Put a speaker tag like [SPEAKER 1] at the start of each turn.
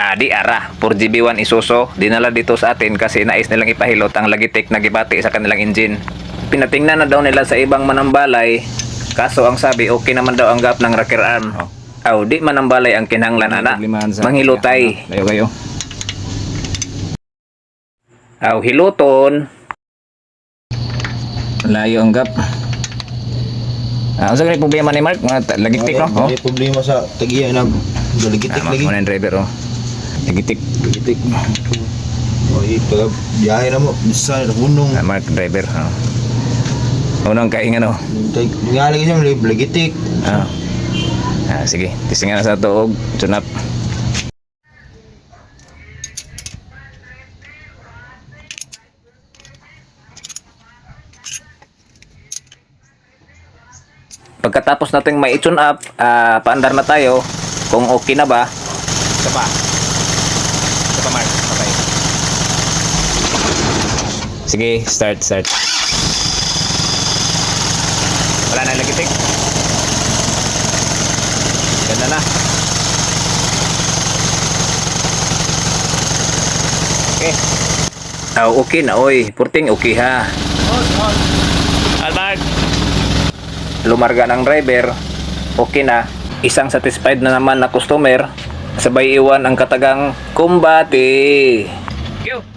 [SPEAKER 1] Di ara, 4GB1 Isuzu, dinala dito sa atin kasi nais nilang ipahilot ang Logitech na gibati sa kanilang engine. Pinatingnan na daw nila sa ibang manambalay, kaso ang sabi okay naman daw ang gap ng rocker arm. Di manambalay ang kinahanglan ana, manghilotay.
[SPEAKER 2] Layo kayo.
[SPEAKER 1] Hiluton.
[SPEAKER 2] Layo ang gap. Ang sa problema ni Mark, mga Logitech no?
[SPEAKER 3] May problema sa tagiya na Logitech lagi.
[SPEAKER 2] Mga driver oh. Logitech.
[SPEAKER 3] Pag biyahe na mo, bisa na hunong.
[SPEAKER 2] Mark driver. Unang kaingan oh.
[SPEAKER 3] Nga lagi siya Logitech.
[SPEAKER 2] Sige, tisingan na sa tuog, tune up.
[SPEAKER 1] Pagkatapos nating may tune up, paandar na tayo kung okay na ba.
[SPEAKER 2] Ito pa Mark, okay. Sige, start. Wala na Logitech. Ganda na. Okay.
[SPEAKER 1] Okay na oy, purting okay ha.
[SPEAKER 2] Albert.
[SPEAKER 1] Lumarga ng driver, okay na. Isang satisfied na naman na customer, sabay iwan ang katagang kumbati.
[SPEAKER 2] Thank you.